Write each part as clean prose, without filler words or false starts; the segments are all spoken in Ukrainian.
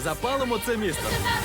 Запалимо це місто.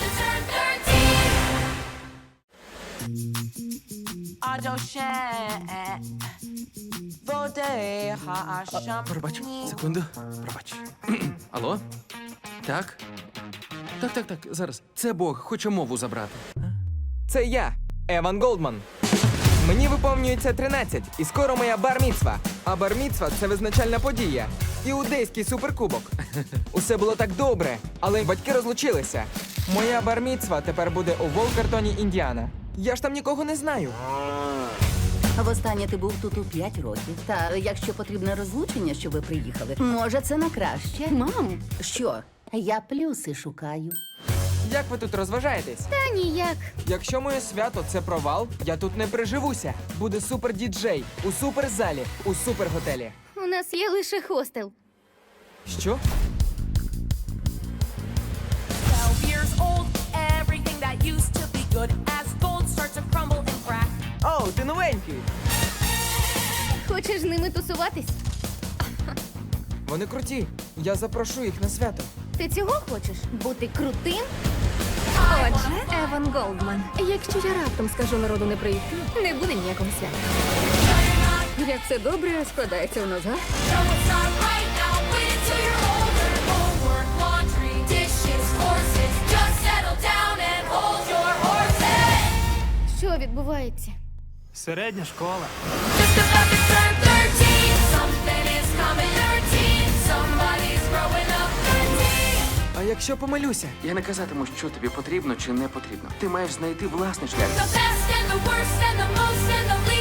Пробач, секунду. Пробач. Алло? Так? Так, зараз. Це Бог, хоче мову забрати. Це я, Еван Голдман. Мені виповнюється 13, і скоро моя бар-міцва. А бар-міцва – це визначальна подія. Іудейський суперкубок. Усе було так добре, але батьки розлучилися. Моя бар-міцва тепер буде у Волкертоні, Індіана. Я ж там нікого не знаю. Востаннє ти був тут у 5 років. Та якщо потрібне розлучення, щоб ви приїхали, може це на краще. Мам, Що? Я плюси шукаю. Як ви тут розважаєтесь? та ніяк. Якщо моє свято – це провал, я тут не приживуся. Буде супер-діджей, у суперзалі, у суперготелі. У нас є лише хостел. Що? 12 years old, everything that used to be good as gold starts to crumble and crack. Оу, ти новенький! Хочеш з ними тусуватись? Вони круті. Я запрошу їх на свято. Ти цього хочеш? Бути крутим? Отже, Еван Голдман. Якщо я раптом скажу народу не прийти, не буде ніякого свята. Як все добре складається у нас, га? No, it's not right now. Wait until you're older. Homework, laundry, dishes, horses. Just settle down and hold your horses. Що відбувається? Середня школа. Just about to turn 13. Something is coming 13. Somebody's growing up 13. А якщо помилюся? Я не казатиму, що тобі потрібно чи не потрібно. Ти маєш знайти власний шлях. The best and the worst and the most and the least.